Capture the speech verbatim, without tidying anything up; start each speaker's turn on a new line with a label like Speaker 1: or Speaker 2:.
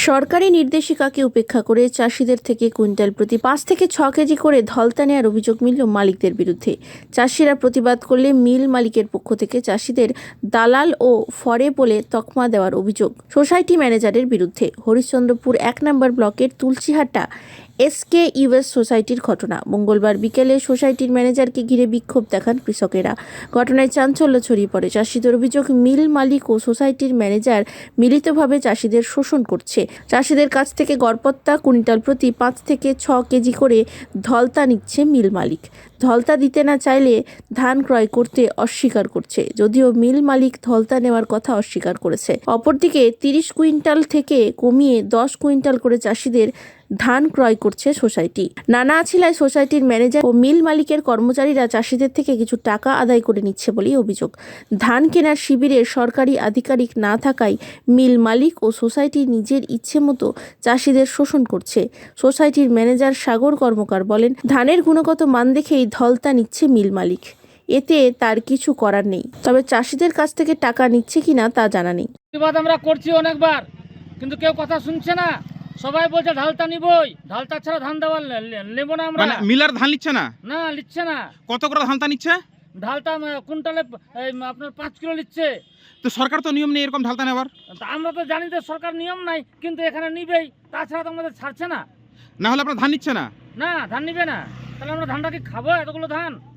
Speaker 1: সরকারি নির্দেশিকাকে উপেক্ষা করে চাষিদের থেকে কুইন্টাল প্রতি পাঁচ থেকে ছ কেজি করে ধলতা নেওয়ার অভিযোগ মিলল মালিকদের বিরুদ্ধে। চাষিরা প্রতিবাদ করলে মিল মালিকের পক্ষ থেকে চাষিদের দালাল ও ফরে বলে তকমা দেওয়ার অভিযোগ সোসাইটি ম্যানেজারের বিরুদ্ধে। হরিশ্চন্দ্রপুর এক নম্বর ব্লকের তুলসীহাটা এসকে ইউএস সোসাইটির ঘটনা। মঙ্গলবার বিকেলে সোসাইটির ম্যানেজারকে ঘিরে বিক্ষোভ দেখান কৃষকেরা। ঘটনায় চাঞ্চল্য ছড়িয়ে পড়ে। চাষিদের অভিযোগ, মিল মালিক ও সোসাইটির ম্যানেজার মিলিতভাবে চাষিদের শোষণ করছে। চাষিদের কাছ থেকে গড়পত্তা কুইন্টাল প্রতি পাঁচ থেকে ছ কেজি করে ধলতা নিচ্ছে মিল মালিক। ধলতা দিতে না চাইলে ধান ক্রয় করতে অস্বীকার করছে, যদিও মিল মালিক ধলতা নেওয়ার কথা অস্বীকার করেছে। অপরদিকে তিরিশ কুইন্টাল থেকে কমিয়ে দশ কুইন্টাল করে চাষিদের ধান ক্রয় করছে সোসাইটি। নানা আছিলায় সোসাইটির ম্যানেজার ও মিল মালিকের কর্মচারীরা চাষিদের থেকে কিছু টাকা আদায় করে নিচ্ছে বলেই অভিযোগ। ধান কেনার শিবিরে সরকারি আধিকারিক না থাকায় মিল মালিক ও সোসাইটি নিজের ইচ্ছে মতো চাষিদের শোষণ করছে। সোসাইটির ম্যানেজার সাগর কর্মকার বলেন, ধানের গুণগত মান দেখেই ধলতা নিচ্ছে মিল মালিক, এতে তার কিছু করার নেই। তবে চাষিদের কাছ থেকে টাকা নিচ্ছে কিনা তা জানা নেই।
Speaker 2: প্রতিবাদ আমরা করছি অনেকবার, কিন্তু কেউ কথা শুনছে না। সবাই বলছে ঢালতা নিবই, ঢালতা ছাড়া ধান দেওয়া নেব না আমরা।
Speaker 3: মানে মিলার ধান নিচ্ছে না?
Speaker 2: না, নিচ্ছে না।
Speaker 3: কত করে ধানটা নিচ্ছে?
Speaker 2: ঢালতা কুইন্টালে আপনার পাঁচ কিলো নিচ্ছে।
Speaker 3: তো সরকার তো নিয়ম নেই এরকম ঢালতা নেওয়ার।
Speaker 2: আমরা তো জানি যে সরকার নিয়ম নাই, কিন্তু এখানে নিবেই, তাছাড়া তো আমাদের ছাড়ছে না।
Speaker 3: না হলে আপনার ধান নিচ্ছে না?
Speaker 2: না, ধান নিবে না। তাহলে আমরা ধানটা কি খাবো, এতগুলো ধান?